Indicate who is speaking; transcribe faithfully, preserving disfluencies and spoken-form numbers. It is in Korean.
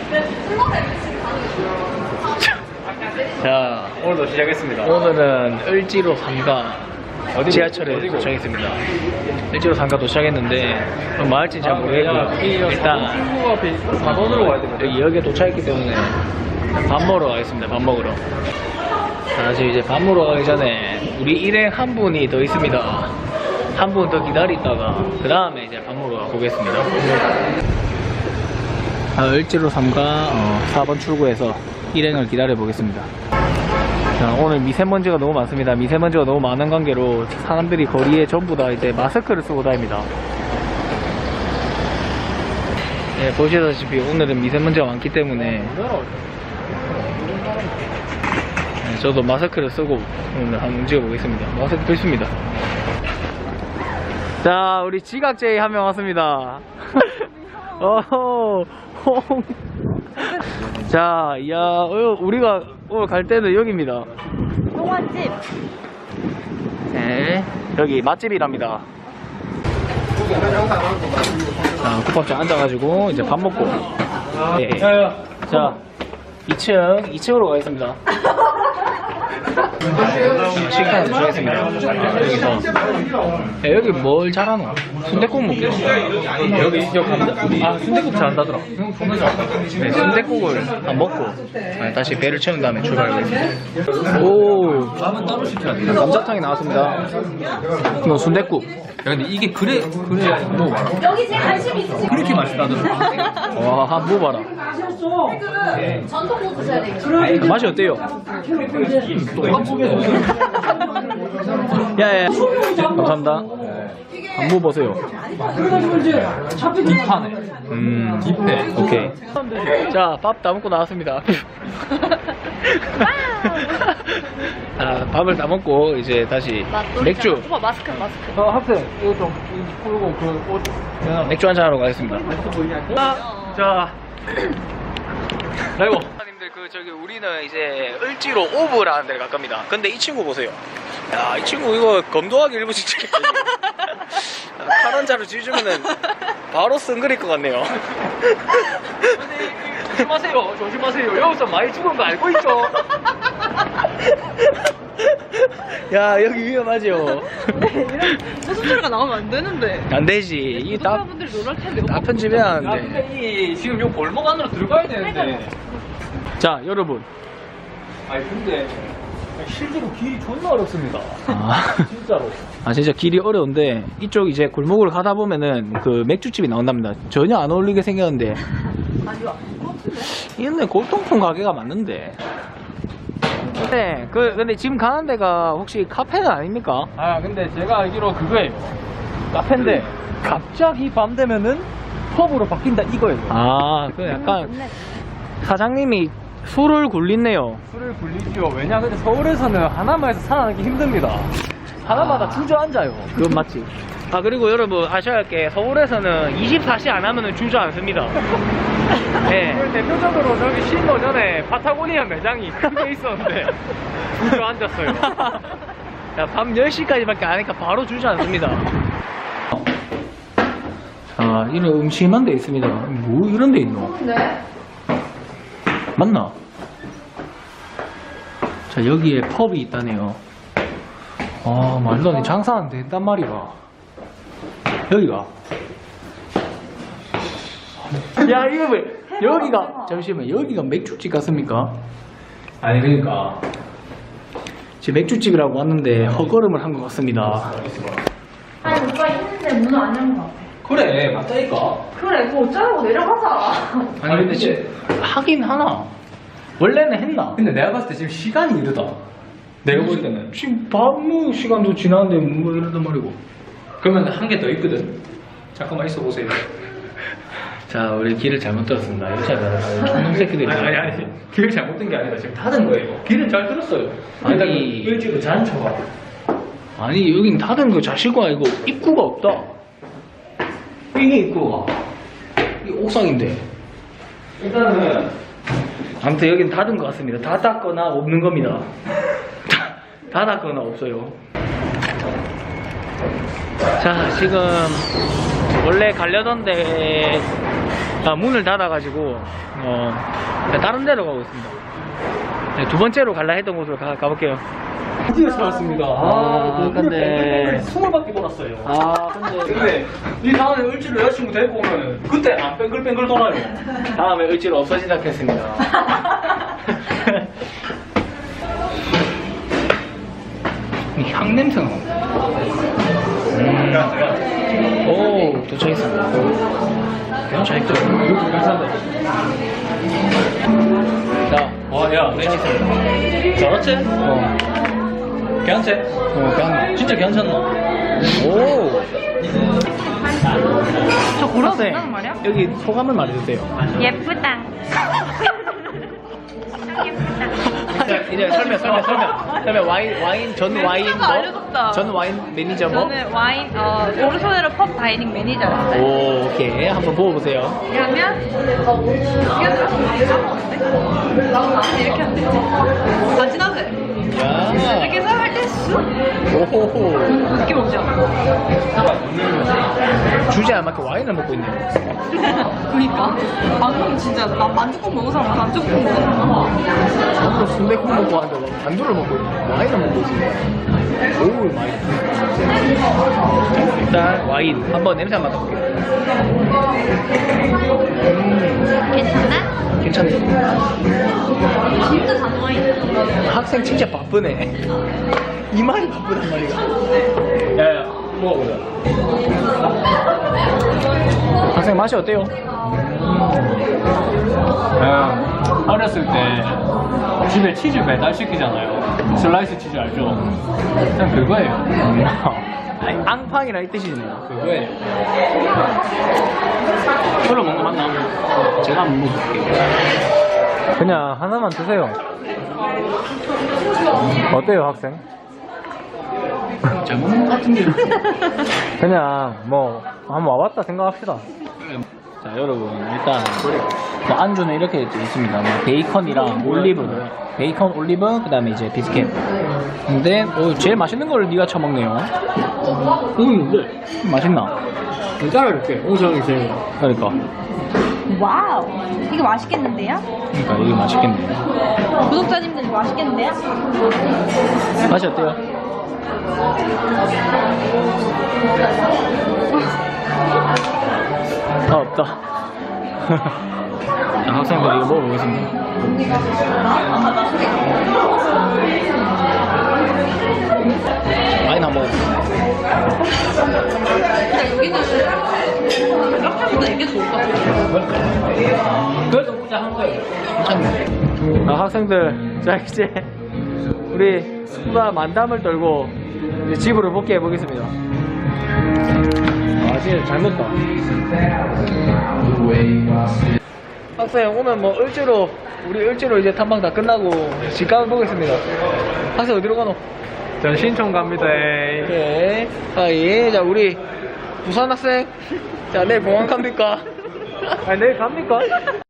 Speaker 1: 자,
Speaker 2: 오늘도 시작했습니다.
Speaker 1: 오늘은 을지로 삼가 지하철에
Speaker 2: 어디고?
Speaker 1: 도착했습니다. 을지로 삼가 도착했는데 뭐 할지 잘 모르겠고요. 일단
Speaker 2: 사 번으로 가야 됩니다.
Speaker 1: 여기 역에 도착했기 때문에 밥 먹으러 가겠습니다. 밥 먹으러. 자, 지금 이제 밥 먹으러 가기 전에 우리 일행 한 분이 더 있습니다. 한 분 더 기다리다가 그 다음에 이제 밥 먹으러 가보겠습니다. 아, 을지로 삼가 어, 사 번 출구에서 일행을 기다려 보겠습니다. 자, 오늘 미세먼지가 너무 많습니다. 미세먼지가 너무 많은 관계로 사람들이 거리에 전부 다 이제 마스크를 쓰고 다닙니다. 예, 보시다시피 오늘은 미세먼지가 많기 때문에 예, 저도 마스크를 쓰고 오늘 한번 움직여 보겠습니다. 마스크 필수입니다. 자, 우리 지각제이 한 명 왔습니다. 어허, 홍. 자, 야, 어, 우리가 오늘 갈 때는 여기입니다.
Speaker 3: 동화집.
Speaker 1: 네, 여기 맛집이랍니다. 자, 쿠팡장 앉아가지고 이제 밥 먹고. 네. 자, 이 층, 이 층으로 가겠습니다. 식당에 도착했습니다. 여기서. 야, 여기 뭘 잘하노? 순댓국 먹게. 여기 저 감자. 아, 순댓국 잘한다더라. 네, 순댓국을 다 먹고 아, 다시 배를 채운 다음에 출발하겠습니다. 오, 감자탕이 나왔습니다. 이거 순댓국.
Speaker 2: 야, 근데 이게 그래, 그래, 뭐 봐라.
Speaker 3: 여기 제 관심 있으시고.
Speaker 2: 그렇게 맛있다더라.
Speaker 1: 와, 한번 먹어봐라.
Speaker 3: 전통 못 드셔야 돼요.
Speaker 1: 맛이 어때요? 야야, 감사합니다. 한번 먹어보세요.
Speaker 2: 딥하네.
Speaker 1: 음,
Speaker 2: 딥해.
Speaker 1: 오케이. 자, 밥 다 먹고 나왔습니다. 아, 밥을 다 먹고 이제 다시 맥주.
Speaker 3: 오빠 마스크 마스크.
Speaker 1: 어, 학생 이거 좀 풀고 그 옷. 맥주 한잔 하러 가겠습니다. 아, 자, 라이브. 님들 그 저기 우리는 이제 을지로 오브라는 데를 갈 겁니다. 근데 이 친구 보세요. 야, 이 친구 이거 검도하기 일부 직전에 칼 한 자루 쥐주면은 바로 쓴그릴 것 같네요. 조심하세요, 조심하세요. 여기서 많이 죽은 거 알고 있죠? 야, 여기 위험하죠?
Speaker 3: 무슨 소리가 나오면 안 되는데.
Speaker 1: 안 되지. 이 다,
Speaker 3: 분들이 놀랄 텐데.
Speaker 1: 다 편집해야
Speaker 2: 야,
Speaker 1: 하는데.
Speaker 2: 근데 이, 지금 요 골목 안으로 들어가야 되는데.
Speaker 1: 자, 여러분.
Speaker 2: 아니, 근데. 실제로 길이 존나 어렵습니다.
Speaker 1: 아,
Speaker 2: 진짜로.
Speaker 1: 아, 진짜 길이 어려운데, 이쪽 이제 골목을 가다 보면은 그 맥주집이 나온답니다. 전혀 안 어울리게 생겼는데. 이런데 골동품 가게가 맞는데. 네, 그, 근데 지금 가는 데가 혹시 카페는 아닙니까?
Speaker 2: 아, 근데 제가 알기로 그거예요. 카페인데, 갑자기 밤 되면은 펍으로 바뀐다 이거예요.
Speaker 1: 아, 그 약간 사장님이 술을 굴리네요.
Speaker 2: 술을 굴리죠. 왜냐, 근데 서울에서는 하나마에서 살아나기 힘듭니다. 하나마다
Speaker 1: 아.
Speaker 2: 주저앉아요.
Speaker 1: 그건 맞지. 아, 그리고 여러분 아셔야 할 게 서울에서는 이십사 시 안 하면은 주저앉습니다. 네.
Speaker 2: 그 대표적으로 저기 신도 전에 파타고니아 매장이 크게 있었는데 주저앉았어요.
Speaker 1: 야, 밤 열 시까지밖에 안 하니까 바로 주저앉습니다. 자, 이런 음침한 데 있습니다. 뭐 이런 데 있노?
Speaker 3: 네.
Speaker 1: 맞나? 자, 여기에 펍이 있다네요. 아, 말도 안 돼. 장사 안 된단 말이야. 여기가. 야, 이거 왜, 여기가, 잠시만, 여기가 맥주집 같습니까? 아니, 그러니까. 지금 맥주집이라고 왔는데 헛걸음을 한 것 같습니다.
Speaker 3: 아니 오빠 있는데 문을 안 연 거.
Speaker 2: 그래, 맞다니까.
Speaker 3: 그래 그거 어쩌라고 내려가자.
Speaker 1: 아니, 근데 지금 하긴 하나. 원래는 했나?
Speaker 2: 근데 내가 봤을 때 지금 시간이 이르다. 내가 볼 때는.
Speaker 1: 지금 밥 먹을 시간도 지났는데 뭐 이러단 말이고.
Speaker 2: 그러면 한 개 더 있거든. 잠깐만 있어 보세요.
Speaker 1: 자, 우리 길을 잘못 들었습니다. 이렇게 하다가 촌놈 새끼들이.
Speaker 2: 아니, 아니, 아니. 길을 잘못된 게 아니라 지금 닫은 거예요. 길은 잘 들었어요.
Speaker 1: 아니.
Speaker 2: 일찍 잔쳐가.
Speaker 1: 아니, 여긴 닫은 거 자시고 아니고 입구가 없다. 이게 입구가. 이 옥상인데.
Speaker 2: 일단은
Speaker 1: 아무튼 여긴 닫은 것 같습니다. 닫았거나 없는 겁니다. 닫았거나 없어요. 자, 지금 원래 가려던 데 아, 문을 닫아가지고 어, 다른 데로 가고 있습니다. 네, 두 번째로 갈라 했던 곳으로 가, 가볼게요.
Speaker 2: 드디어 찾았습니다.
Speaker 1: 아, 근데-
Speaker 2: 스물 바퀴 돌았어요.
Speaker 1: 아 근데
Speaker 2: 근데 이 다음에 을지로 여자친구 데리고 오면 그때 안 뱅글뱅글 돌아요.
Speaker 1: 다음에 을지로 없어지지 않겠습니다. 이 향 냄새가 나. 음. 오 도착했습니다. 도착했죠.
Speaker 2: 괜찮네.
Speaker 1: 자,
Speaker 2: 와, 야,
Speaker 1: 도착했습니다.
Speaker 2: 잘했지?
Speaker 1: 어,
Speaker 2: 괜찮지?
Speaker 1: 어, 그냥
Speaker 2: 진짜 괜찮나?
Speaker 1: 오.
Speaker 3: 저 걸어도
Speaker 1: 네.
Speaker 3: 된다는 말이야?
Speaker 1: 여기 소감을 말해주세요.
Speaker 4: 예쁘다. 참 예쁘다.
Speaker 1: 이제, 이제 설명, 설명, 설명. 설명 와인, 와인 전 와인
Speaker 3: 멘트가 알려줬다.
Speaker 1: 뭐? 전 와인 매니저 뭐?
Speaker 4: 저는 와인, 어, 오르소네로 펍 다이닝 매니저였어요.
Speaker 1: 오, 오케이. 한번 보여보세요.
Speaker 4: 그러면, 이거 들어서 나한테 이렇게 하면 돼.
Speaker 3: 간지나세.
Speaker 1: 야.
Speaker 4: 이렇게 해서 할 때 쑥!
Speaker 1: 오호호.
Speaker 4: 느낌 오죠?
Speaker 1: 주제 안 맞게 와인을 먹고 있네요.
Speaker 3: 그니까. 방금 진짜 나 만두국 먹은 사람 만두국 먹은 사람.
Speaker 1: 저도 순대국 먹고 하는데 막 만두를 먹고 있네. 와인을 먹고 있습니다. 오우, 와인. 일단 와인 한번 냄새 한번 맡아볼게요. 음,
Speaker 4: 괜찮아?
Speaker 1: 괜찮네.
Speaker 4: 진짜 단와인.
Speaker 1: 학생 진짜 바쁘네. 이 말이 바쁘단 말이야.
Speaker 2: 야, 야, 먹어보자.
Speaker 1: 학생 맛이 어때요?
Speaker 2: 야, 어렸을 때 집에 치즈 배달 시키잖아요. 슬라이스 치즈 알죠? 그냥 그거예요.
Speaker 1: 아니, 앙팡이라 이 뜻이네요.
Speaker 2: 그거예요. 별로 먹는 거 맞나?
Speaker 1: 제가 한번 먹어볼게요.
Speaker 2: 그냥 하나만 드세요. 어때요, 학생?
Speaker 1: 잘 먹는 것 같은데요.
Speaker 2: 그냥 뭐 한번 와봤다 생각합시다.
Speaker 1: 자, 여러분 일단 뭐 안주는 이렇게 돼 있습니다. 뭐 베이컨이랑 올리브, 베이컨, 올리브, 그다음에 이제 비스켓. 근데 어, 제일 맛있는 걸 네가 처먹네요.
Speaker 2: 음,
Speaker 1: 맛있나?
Speaker 2: 네. 잘라줄게. 오정이 제일.
Speaker 1: 그러니까,
Speaker 4: 와우. 이거 맛있겠는데요?
Speaker 1: 그러니까 이게 맛있겠네요.
Speaker 4: 구독자님들 이거 맛있겠는데요?
Speaker 1: 맛이 어때요? 아 없다. 자, 학생들 이거 먹어보겠습니다. 와인 한번 먹어볼게요.
Speaker 3: 근데 여기는 이렇게보다 이게 좋을 것 같아.
Speaker 2: 그래서 혼자 한 거예요.
Speaker 1: 괜찮네. 아, 학생들, 자 이제 우리 수다 만담을 떨고 이제 집으로 복귀해 보겠습니다. 아 진짜 잘 먹다. 학생 오늘 뭐 을지로 우리 을지로 이제 탐방 다 끝나고 집 가보겠습니다. 학생 어디로 가노?
Speaker 2: 전 신촌 갑니다.
Speaker 1: 네. 아 예. 자 우리 부산 학생. 자 내일 공항 갑니까?
Speaker 2: 아, 내일 갑니까?